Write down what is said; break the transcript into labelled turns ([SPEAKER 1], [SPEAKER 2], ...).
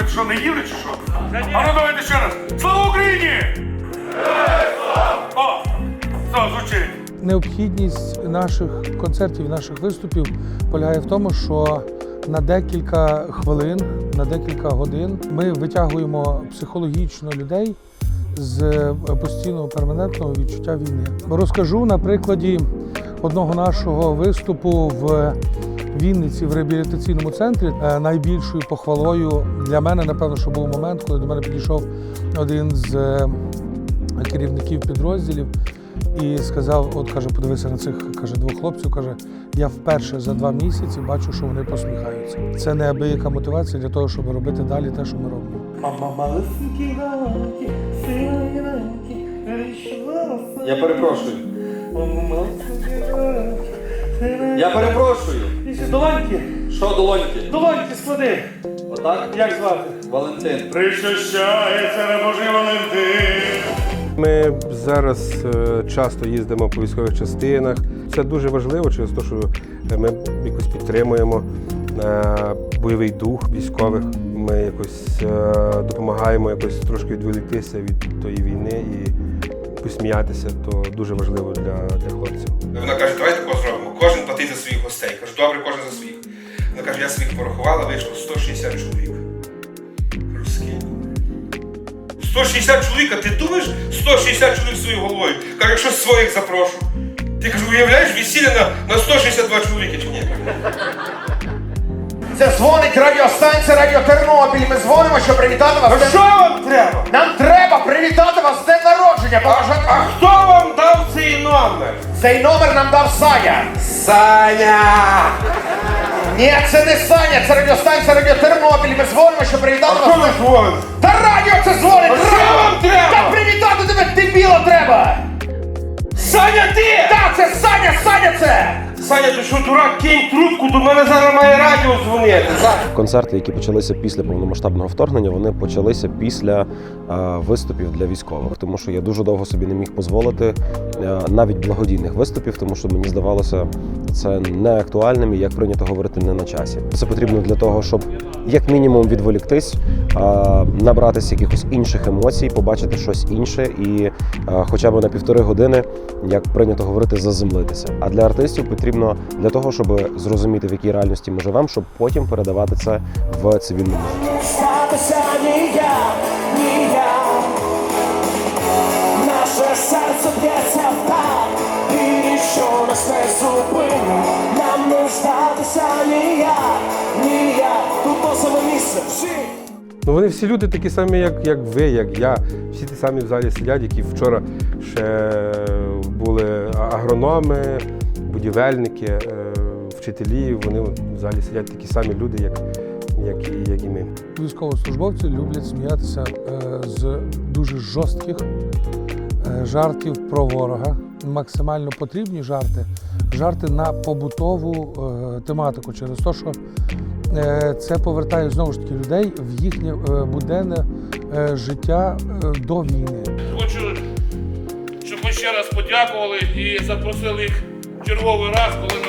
[SPEAKER 1] що, не їли чи що? А ну давайте ще раз. Слава Україні! О, все, звучить.
[SPEAKER 2] Необхідність наших концертів, наших виступів полягає в тому, що на декілька хвилин, на декілька годин ми витягуємо психологічно людей з постійного перманентного відчуття війни. Розкажу на прикладі одного нашого виступу в Вінниці в реабілітаційному центрі. Найбільшою похвалою для мене, напевно, що був момент, коли до мене підійшов один з керівників підрозділів і сказав, от каже, подивися на цих, каже, двох хлопців, каже, я вперше за 2 місяці бачу, що вони посміхаються. Це неабияка мотивація для того, щоб робити далі те, що ми робимо.
[SPEAKER 3] Я перепрошую. Я перепрошую.
[SPEAKER 4] Долоньки.
[SPEAKER 3] Що долоньки?
[SPEAKER 4] Долоньки склади.
[SPEAKER 3] Отак?
[SPEAKER 4] Як звати?
[SPEAKER 3] Валентин.
[SPEAKER 1] Причащається небожий Валентин.
[SPEAKER 5] Ми зараз часто їздимо по військових частинах. Це дуже важливо через те, що ми якось підтримуємо бойовий дух військових. Ми якось допомагаємо якось трошки відволіктися від тої війни і посміятися. То дуже важливо для хлопців.
[SPEAKER 6] Вона каже, давайте тако зробимо. Кожен платить за своїх гостей. Кажу, добре, кожен за своїх. Вона каже, я своїх порахувала, вийшло 160 чоловік. Кажу, скільки? 160 чоловік, а ти думаєш 160 чоловік своєю головою? Кажу, якщо своїх запрошу. Ти, кажу, уявляєш весілля на 162 чоловіки чи ні?
[SPEAKER 7] Це дзвонить радіостанція Радіо Тернопіль. Ми дзвонимо, щоб привітати вас.
[SPEAKER 4] А що вам треба?
[SPEAKER 7] Нам треба привітати вас з днем народження.
[SPEAKER 4] А хто вам дав цей номер?
[SPEAKER 7] Цей номер нам дав Саня.
[SPEAKER 4] Саня!
[SPEAKER 7] Ні, це не Саня, це радіостанція Радіо Тернопіль. Ми дзвонимо, щоб привітати
[SPEAKER 4] А
[SPEAKER 7] вас.
[SPEAKER 4] хто ви дзвоните?
[SPEAKER 7] Та радіо це дзвонить!
[SPEAKER 4] А що вам треба?
[SPEAKER 7] Та привітати тебе, дебіла, треба!
[SPEAKER 4] Саня, ти!
[SPEAKER 7] Так, це Саня, Саня це!
[SPEAKER 4] Саня, ти що, дурак, кинь трубку, до мене зараз має радіо дзвонити.
[SPEAKER 8] Концерти, які почалися після повномасштабного вторгнення, вони почалися після виступів для військових. Тому що я дуже довго собі не міг дозволити навіть благодійних виступів, тому що мені здавалося це не актуальним і, як прийнято говорити, не на часі. Це потрібно для того, щоб як мінімум відволіктись, набратися якихось інших емоцій, побачити щось інше і хоча б на 1,5 години, як прийнято говорити, заземлитися. А для артистів потрібно для того, щоб зрозуміти, в якій реальності ми живемо, щоб потім передавати це в цивільному житті.
[SPEAKER 9] Статися ніяк, ніяк. Наше серце б'ється так, і ніщо нас не зупинить. Нам не здатися ніяк, ніяк. Тут то саме місце в житті.
[SPEAKER 5] Ну, вони всі люди такі самі, як ви, як я. Всі ті самі в залі сидять, які вчора ще були агрономи, будівельники, вчителі. Вони в залі сидять такі самі люди, як і ми.
[SPEAKER 2] Військовослужбовці люблять сміятися з дуже жорстких жартів про ворога. Максимально потрібні жарти на побутову тематику, через те, що це повертає знову ж таки людей в їхнє буденне життя до війни.
[SPEAKER 1] Хочу, щоб ми ще раз подякували і запросили їх черговий раз, коли